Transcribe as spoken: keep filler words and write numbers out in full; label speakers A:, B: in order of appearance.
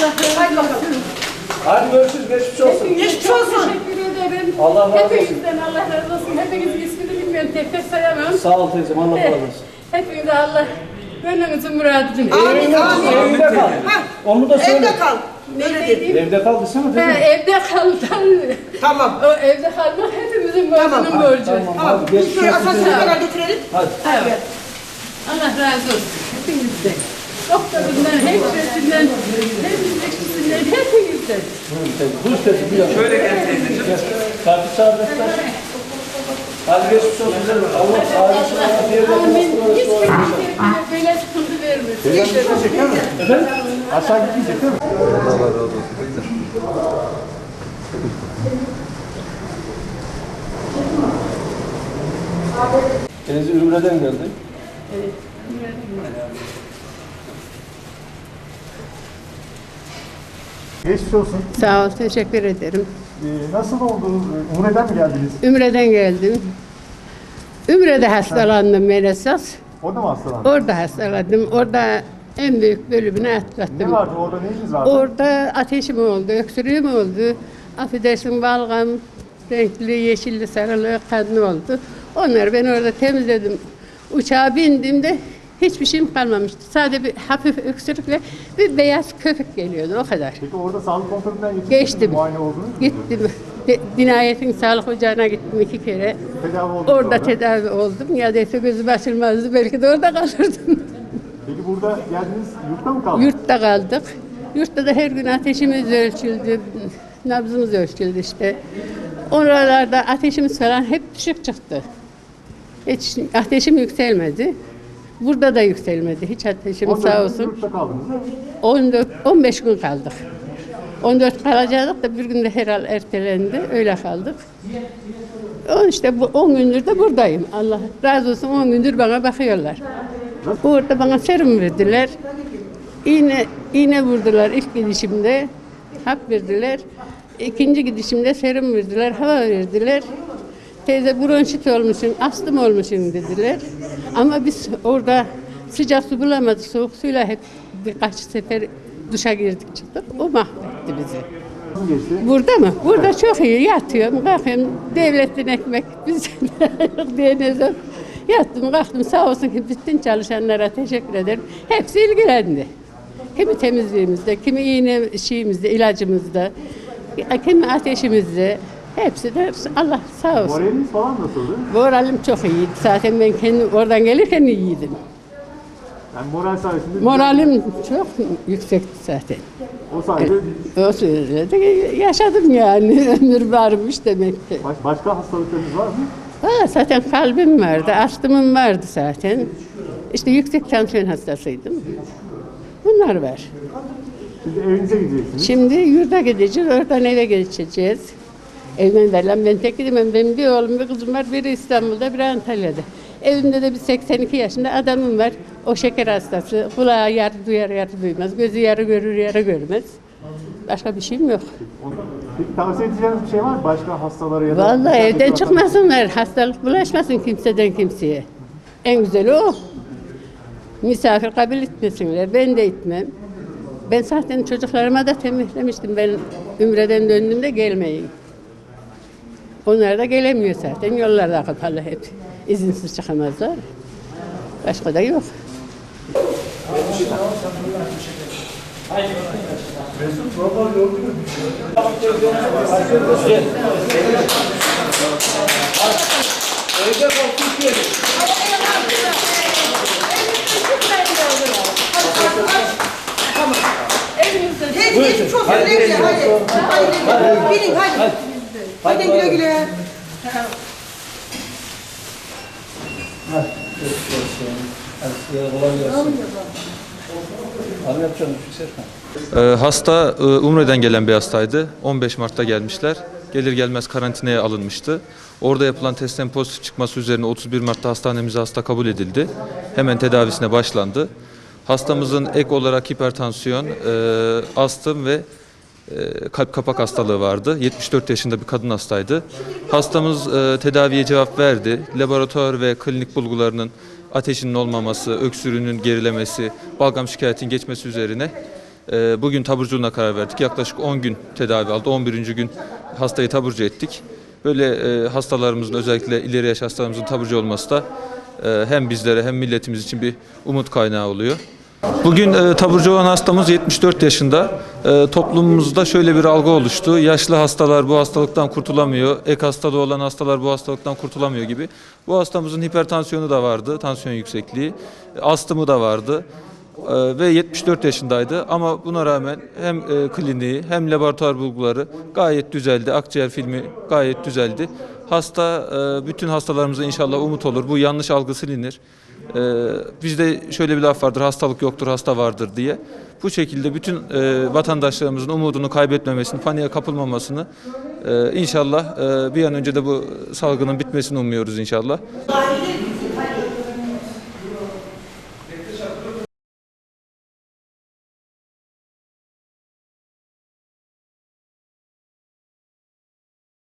A: Hadi bakalım.
B: Hadi görüşürüz. Geçmiş olsun.
A: Geçmiş olsun.
C: Teşekkür ederim.
B: Allah razı olsun.
C: Hepinizden Allah razı olsun. Hepinizin ismini bilmiyorum. Tek tek sayamam.
B: Sağ ol teyzem. Allah razı olsun.
C: Hepinize Allah gönlünüzün muradını.
A: Amin, amin.
B: Evde kal. Onu da söyle.
A: Evde kal. Öyle değil.
B: Evde kal desene
C: Ha,
B: teyzem.
C: evde kal.
A: Tamam.
C: O evde kalmak hepimizin
A: Tamam,
C: borcunun borcu.
B: Tamam.
A: Tamam.
B: Hadi
A: Biz
B: geçmiş
A: böyle
B: olsun.
A: asansöre kadar götürelim.
B: Hadi.
C: Evet. Allah razı olsun. Hepinizden. Doktorundan, hemşiresinden, temizlikçisinden, hepinizden.
B: Buyur teyzem. Şöyle gel teyzeciğim. Kartı çağıracaklar. Hadi geçmiş olsun. Allah sağlık sıhhat yerine
C: Amin.
B: nasıl
C: Hiç
B: uğraştı
C: kimseye böyle sıkıntı vermesin.
B: Efendim? Aşağı gitmeyecek değil mi?
D: Allah razı olsun.
B: Teyze Ümre'den geldi.
C: Evet.
E: Geçmiş olsun.
C: Sağ ol, teşekkür ederim.
E: Ee, nasıl oldu? Umre'den mi geldiniz?
C: Ümre'den geldim. Ümre'de hastalandım ben esas.
E: Orada mı hastalandınız?
C: Orada hastalandım. Orada en büyük bölümünü
E: Ne
C: atlattım.
E: vardı? Orada neyiniz vardı?
C: Orada ateşim oldu, öksürüğüm oldu. Affedersin balgam, renkli, yeşilli, sarılı, kanlı oldu. Onları ben orada temizledim. Uçağa bindiğimde hiçbir şeyim kalmamıştı. Sadece bir hafif öksürükle bir beyaz köpük geliyordu, o kadar.
E: Peki orada sağlık kontrolünden geçtiniz
C: Geçtim.
E: mi? Muayene oldunuz mu?
C: Gittim. De, Dinayetin sağlık ocağına gittim iki kere.
E: Tedavi oldunuz
C: Orada
E: orada.
C: tedavi oldum. Ya değilse gözüm açılmazdı. Belki de orada kalırdım.
E: Peki burada geldiniz, yurtta mı kaldınız?
C: Yurtta kaldık. Yurtta da her gün ateşimiz ölçüldü. Nabzımız ölçüldü işte. Oralarda ateşimiz falan hep düşük çıktı. Hiç ateşim yükselmedi. Burada da yükselmedi. Hiç ateşim
E: on dört
C: sağ
E: gün
C: olsun.
E: Yurtta kaldınız.
C: on dört on beş gün kaldık. on dört kalacaktık da bir günde herhal ertelendi. Öyle kaldık. O işte bu on gündür de buradayım. Allah razı olsun, on gündür bana bakıyorlar. Orada bana serum verdiler. İğne, iğne vurdular ilk gidişimde. Hap verdiler. İkinci gidişimde serum verdiler, hava verdiler. Teyze bronşit olmuşsun, astım olmuşsun dediler. Ama biz orada sıcak su bulamadık. Soğuk suyla hep birkaç sefer duşa girdik çıktık. O mahvetti bizi.
E: Nasıl geçti?
C: Burada mı? Burada çok iyi. Yatıyorum, kalkıyorum. Devletin ekmek bize yok diye ne zaman. Yattım, kalktım. Sağ olsun ki bütün çalışanlara teşekkür ederim. Hepsi ilgilendi. Kimi temizliğimizde, kimi iğne şeyimizde, ilacımızda, kimi ateşimizde. Hepsi de Allah sağ olsun.
E: Moraliniz falan nasıldı?
C: Moralim çok iyiydi. Zaten ben kendim oradan gelirken iyiydim.
E: Yani moral sayesinde...
C: Moralim çok yüksekti zaten.
E: O sayede
C: O sürede yaşadım yani. Ömür varmış demek ki.
E: baş, başka hastalıklarınız var mı?
C: Ha, zaten kalbim vardı, astımım vardı zaten. İşte yüksek tansiyon hastasıydım. Bunlar var.
E: Şimdi evinize gideceksiniz.
C: Şimdi yurda gideceğiz, oradan eve geçeceğiz. Evden verilen ben tek gidemem. Benim bir oğlum, bir kızım var. Biri İstanbul'da, biri Antalya'da. Evimde de bir seksen iki yaşında adamım var. O şeker hastası. Kulağı yarı duyar, yarı duymaz. Gözü yarı görür, yarı görmez. Başka bir şeyim yok.
E: Peki tavsiye edeceğiniz bir şey var mı? Başka hastalara ya da...
C: Vallahi evden
E: dışarıdaki
C: çıkmasınlar. Hastalık bulaşmasın kimseden kimseye. En güzeli o. Misafir kabul etmesinler. Ben de etmem. Ben zaten çocuklarıma da tembihlemiştim. Ben Ümre'den döndüğümde gelmeyin. Onlar da gelemiyor zaten. Yollar da kapalı hep. İzinsiz çıkamazlar. Başka da yok.
B: Evde kal Türkiye'de.
C: Evimizde
A: Teyze geçmiş olsun. Güle güle hadi. Hadi. Bilin hadi. Hadi güle güle.
B: Hadi geçmiş olsun. Hadi size kolay gelsin. Abi yapacağım bir şey Serkan.
D: Ee, hasta e, Umre'den gelen bir hastaydı. on beş Mart'ta gelmişler. Gelir gelmez karantinaya alınmıştı. Orada yapılan testten pozitif çıkması üzerine otuz bir Mart'ta hastanemize hasta kabul edildi. Hemen tedavisine başlandı. Hastamızın ek olarak hipertansiyon, e, astım ve e, kalp kapak hastalığı vardı. yetmiş dört yaşında bir kadın hastaydı. Hastamız e, tedaviye cevap verdi. Laboratuvar ve klinik bulgularının ateşinin olmaması, öksürüğünün gerilemesi, balgam şikayetin geçmesi üzerine e, bugün taburculuğuna karar verdik. Yaklaşık on gün tedavi aldı. on birinci gün hastayı taburcu ettik. Böyle e, hastalarımızın, özellikle ileri yaş hastalarımızın taburcu olması da e, hem bizlere hem milletimiz için bir umut kaynağı oluyor. Bugün e, taburcu olan hastamız yetmiş dört yaşında. E, toplumumuzda şöyle bir algı oluştu. Yaşlı hastalar bu hastalıktan kurtulamıyor. Ek hastalığı olan hastalar bu hastalıktan kurtulamıyor gibi. Bu hastamızın hipertansiyonu da vardı, tansiyon yüksekliği, astımı da vardı. E, ve yetmiş dört yaşındaydı. Ama buna rağmen hem e, kliniği hem laboratuvar bulguları gayet düzeldi. Akciğer filmi gayet düzeldi. Hasta, e, bütün hastalarımıza inşallah umut olur. Bu yanlış algı silinir. Ee, bizde şöyle bir laf vardır, hastalık yoktur, hasta vardır diye. Bu şekilde bütün e, vatandaşlarımızın umudunu kaybetmemesini, paniğe kapılmamasını e, inşallah e, bir an önce de bu salgının bitmesini umuyoruz inşallah.